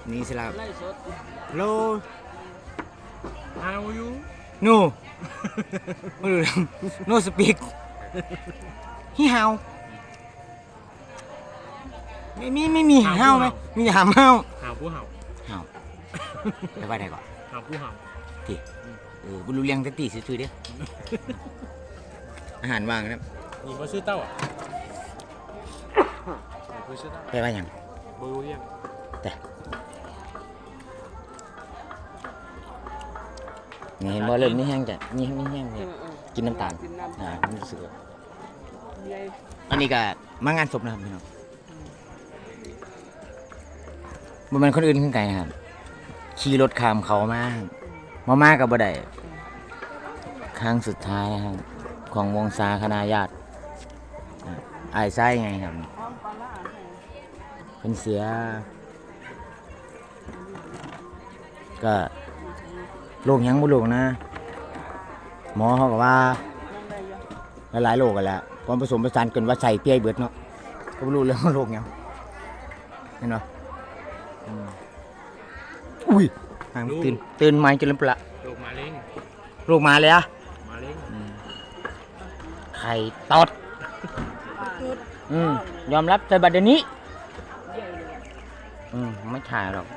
นี่สิครับโล How you no ไม่รู้ no speak ฮี่ฮาวไม่มีฮาวไหมมีหามฮาว Hàoผู้เห่าฮาวไปว่าได้ก่อน Hàoผู้เห่าทีบุรุษเลี้ยงตั้งตีซื้อเด้ออาหารว่างนะนี่บ่ซื้อเต้าอ่ะบ่ซื้อเต้าไปว่าอย่างบ่รู้เรียกแต่นี่เห็นบ่เริ่มนี่แห้งจ้ะนี่แห้งเนี่ยกินน้ำตาลรู้สึกว่าอันนี้ก็มางานศพนะครับพี่น้องบ่แม่นคนอื่นขึ้นไกลนะครับขี่รถข้ามเขามากับบ่ได้ครั้งสุดท้ายนะครับของวงศาคณะญาติอายไส้ไงครับเป็นเสียก็โรคยังบ่โรคนะหมอเขาก็ว่าหลายๆโรคกันแหละความผสมผสานกันว่าใส่เปี้ยเบิดเนาะก็บ่รู้เรื่องโรคยังเห็นบ่อุ้ยตื่นมาจนลืมปละโรคมะเร็งโรคมาเลยอะมะเร็งไข่ตอดยอมรับแต่บัดเดี๋ยวนี้ไม่ถ่ายหรอก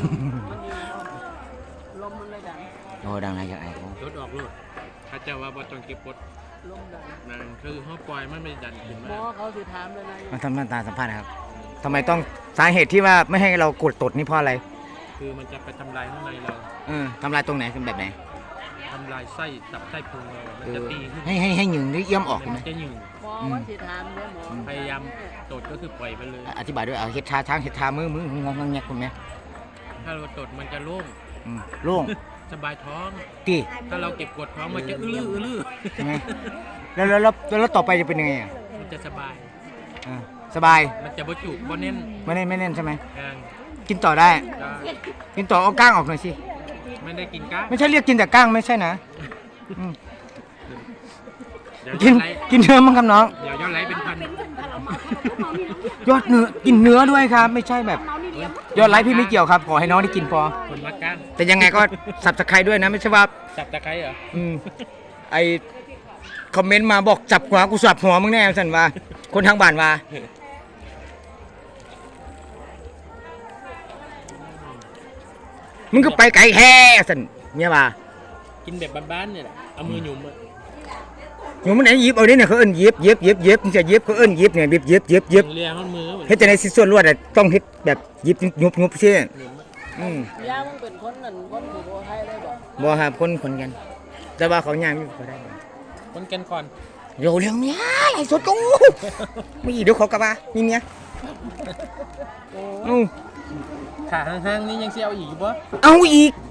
ลมมันเลยดังโอ้ดังอะไรจากไอ้กูรถออกรถถ้าเจ้าว่าบ่ต้องเก็บกดลมดังนั่นคือเฮาปล่อยมันไม่ดันขึ้นหมมาอเขาสิถามเลยนะมาทำมาตาสัมภาษณ์นะครับทำไมต้องสาเหตุที่ว่าไม่ให้เรากดตดนี่เพราะอะไรคือมันจะไปทำลายข้างในเราทำลายตรงไหนเป็นแบบไหนทำลายไส้ตับไส้พุงเรามันจะตีขึ้นให้หยึงหรือเยี่ยมออกมัไหมนจะหยุ่งหมอว่าสิถามเลยหมอพยายามตดก็คือปล่อยไปเลยอธิบายด้วยเอาเฮ็ดชาช้างเฮ็ดชามืองงแงกคุณแม่ถ้าเราตดมันจะโล่งโล่งสบายท้องตีถ้าเราเก็บกดท้องมันจะอื้อใช่ไหมแล้วต่อไปจะเป็นยังไงอ่ะมันจะสบายสบายมันจะบ่จุกบ่แน่นไม่แน่นใช่ไหมแห้งกินต่อได้ก็กินต่อเอาก้างออกหน่อยสิไม่ได้กินก้างไม่ใช่เรียกกินแต่ก้างไม่ใช่นะเดี๋ยวกินเนื้อมั้งครับน้องเดี๋ยวยอดไลค์เป็นพันยอดเนื้อกินเนื้อด้วยครับ ไม่ใช่แบบ ยอดไลค์พี่ไม่เกี่ยวครับขอให้น้องได้กินพอคนรักก้างแต่ยังไงก็สับสไครด้วยนะไม่ใช่ว่าจับตะไคร้เหรอไอคอมเมนต์มาบอกจับหัวกูสับหัวมึงแน่สันว่า คนทางบ้านว่ามึงก็ไปไกลแฮ่สันเนี่ยว่ากินแบบบ้านๆเนี่ยแหละเอามือหยุมอะอยู่มันไหนยิบเอาดิเนี่ยเขาเอิ้นยิบมึงจะยิบเขาเอิ้นยิบเนี่ยยิบเลียข้างมือเฮ็ดจะในสิส่วนรวดอ่ะต้องเฮ็ดแบบยิบยุบใช่ย่ามึงเป็นคนนั่นคนอยู่โบไทยเลยบอกบ่ครับคนกัน แต่ว่าเขาย่างอยู่ก็ได้คนกันก่อนโยเรื่องเมียไหลสดกูไม่อีเดี๋ยวเขากลับมามีเมียเอาขาห้างๆนี่ยังเสียวอีกปะเอาอีก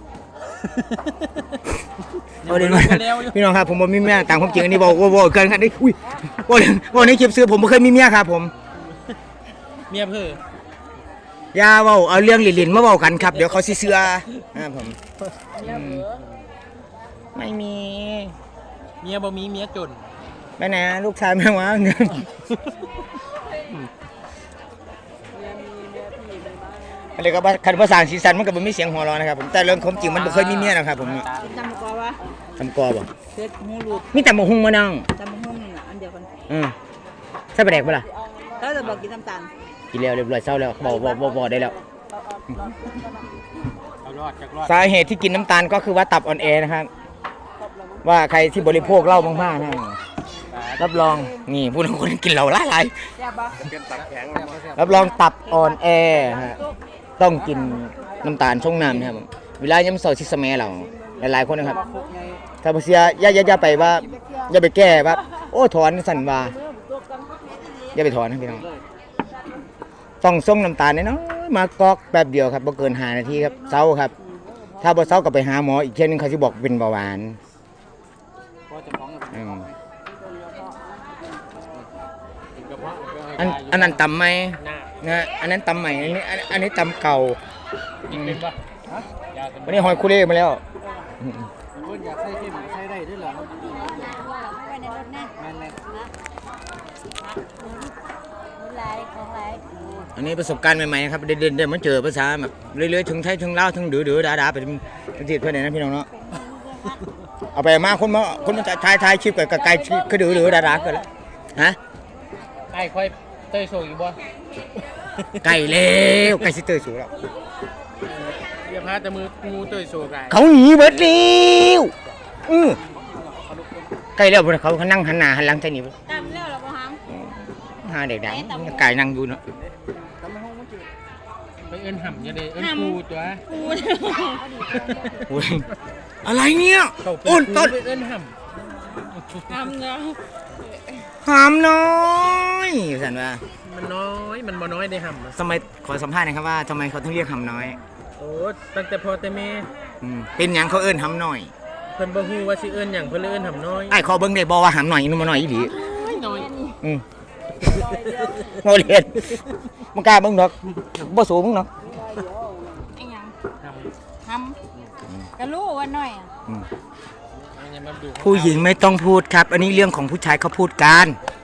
เอาเดี๋ยวมาพี่น้องครับผมบ่มีเมียตามความจริงอันนี้บอกเกินครับนี่อุ้ยบอกในคลิปซื้อผมบ่เคยมีเมียครับผมเมียเพื่ออย่าเว้าเอาเรื่องหลินๆมาเว้ากันครับเดี๋ยวเขาสิเชื่อผมย่าเบื่อไม่มีเมียบ่มีเมียจนไปไหนลูกชายแม่วะเงินเมียมีเมียพี่ในบ้านอะไรก็คันภาษาสีสันมันก็บ่มีเสียงหัวเราะนะครับผมแต่เรื่องความจริงมันบ่เคยมีเมียนะครับผมจำกว่าทำกอบ่เพชรหูรูดมีแต่หมกหุงมานั่งจำห้องนี่น่ะอันเดียวกันใช่ปลาแดกปะล่ะแล้วจะบอกกินน้ำตาลกินแล้วเรียบร้อยเศร้าแล้วบอกได้แล้วเอารอดจากรอดสาเหตุที่กินน้ำตาลก็คือว่าตับอ่อนแอนะครับ ว่าใครที่บริโภคเหล้ามากๆนะรับรองนี่ผู้คนกินเหล้าหลายแซ่บปะเป็นตับแข็งๆรับรองตับอ่อนแอฮะต้องกินน้ำตาลช่องน้ำนะครับเวลายังเสาร์ชิสแมเราหลายๆคนนะครับถ้าบ่เสียอย่าไปว่าอย่าไปแก้ว่าโอ้ถอนสั่นว่าอย่าไปถอนนะพี่น้องต้องส่งน้ำตาลน้อยๆมากอกแป๊บเดียวครับบ่เกิน5 นาทีครับเศร้าครับ ถ้าบ่เศร้าก็ไปหาหมออีกเช่นนึงเขาสิบอกเป็นเบาหวานอันนั้นตำไหมหน้านะอันนั้นตำใหม่อันนี้ตำเก่ากินเป็นปะยาเป็นวันนี้หอยคุเร่มาแล้วคนอยากใส่เข้มใส่ได้ด้วยเหรอไว้ในรถแน่แม่นลายของลายอันนี้ประสบการณ์ใหม่ๆครับเดินๆมันเจอภาษาแบบเรื่อยๆถึงไทยถึงลาวถึงดื้อๆด่าๆไปประเทศเพื่อนนะพี่น้องเนาะเอาไปมาคนมาถ่ายคลิปกับไกลคือดื้อๆด่าๆกันแล้วฮะไอ้ค่อยเตยโชว์อยู่บ่ไก่แล้วไก่สิเตอร์สูแล้วอย่าพาแต่มืองูเตยโชว์ไก่เขาหนีเบิดแล้วไก่แล้วเขานั่งหันหน้าหันหลังใส่หนีตามแล้วเหรอบ่ฮัมหาเด็กดังไก่นั่งอยู่เนาะไปเอิ้นห่ำอย่าได้เอิ้นครูตัวกูโอ้ยอะไรเนี่ยเขาเป็นอ้นครูต้นไปเอิ้นห่ทำเนาะหามน้อยสันว่าำมันน้อยมันบ่น้อยได้ห่ำอะสมัยขอสัมภาษณ์หนะครับว่าทำไมเขาถึงเรียกหำน้อยโอ้ตั้งแต่พ่อแต่แม่เป็นหยังเขาเอิ้นหำน้อยเพิ่นบ่ฮู้ว่าสิเอิ้นหยังเพิ่นเลยเอิ้นห่ำน้อยไอ้ขอเบิ่งได้บ่ว่าหำน้อยนุ่มน้อยอีหลีน้อยโมเรียนมึงกล้าเบิ่งดอกบ่สูงมึงเนาะไอ้หยังห่ำทำก็รู้ว่าน้อยอ่ะอันนี้มาดูผู้หญิงไม่ต้องพูดครับ อันนี้เรื่องของผู้ชายเขาพูดกัน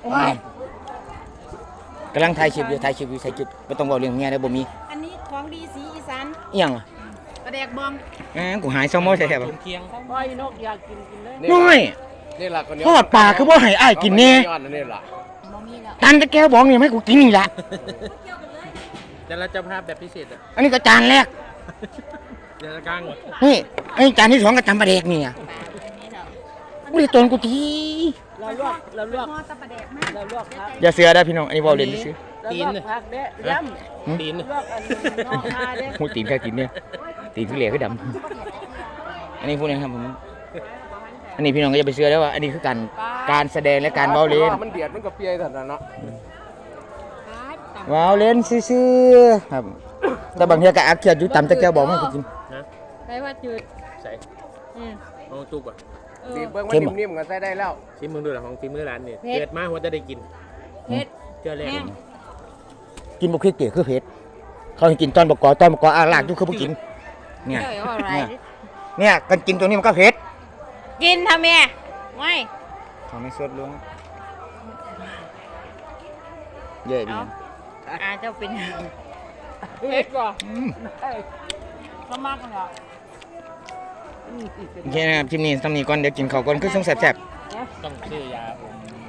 กำลังถ่ายคลิปอยู่บ่ต้องเว้าเรื่องเมียได้บ่มีอันนี้ของดีสีอีสานอีหยังอ่ะปลาแดกบองกูหายซ้อมอใส่แท้บ่เคียงบ่อยนกอยากกินเลยน้อยนี่ล่ะคนนี้ทอดปลาคือบ่ให้อ้ายกินแน่ยอดนี่ล่ะบ่มีแล้วตันตะแก้วบอกนี่ให้กูกินนี่ล่ะแต่ละเจ้าภาพแบบพิเศษอ่ะอันนี้ก็จานแรกเดี๋ยวจะกลางนี่ไอ้จานที่2ก็จำปลาแดกนี่อ่ะกูได้ตนกูทีเราลวกเราลวกตะปลาแดกมากเราลวกผักอย่าเสือได้พี่น้องอันนี้เว้าเล่นซื่อเราลวกผักเด้ย่ตีนำลวกอันนี้นอกหน้าเด้หูตีนแค่กินเนี่ยตีนคือเหลือคือดำอันนี้พูดนะครับผมอันนี้พี่น้องก็อย่าไปเชื่อได้ว่าอันนี้คือการแสดงและการเว้าเล่นมันเดือดมันก็เปียสั่นน่ะเนาะเว้าเล่นซื่อๆครับแต่บางทีก็อักเขียดอยู่ต่ำตะแก้วบอกไม่ให้กูกินนะไปว่าจืดใส่อืมเอาจุกอ่ะบีบเบิ่งมัเข้นมอะนิ่มๆก็ใส่ได้แล้วชิมมึงดูหลังของฝีมือร้านนี่เกิดมาหัวจะได้กินเผ็ดเจอแรกแห้งกินบุกเก๋คือเผ็ดเขาให้กินตอนบกออาลากอยู่คือบ่กินเนี่ยเจ้าเอาอะไรเนี่ยกันกินตัวนี้มันก็เผ็ดกินทำไมไม่เขาไม่สดลงเย่ดีเจ้าเป็นเผ็ดกว่าสมัครเหรอโอเคนะครับคลิปนี้ทำนี้ก่อนเดี๋ยวกินข้าวก่อนคือส่งแซ่บต้องซื้อยาอม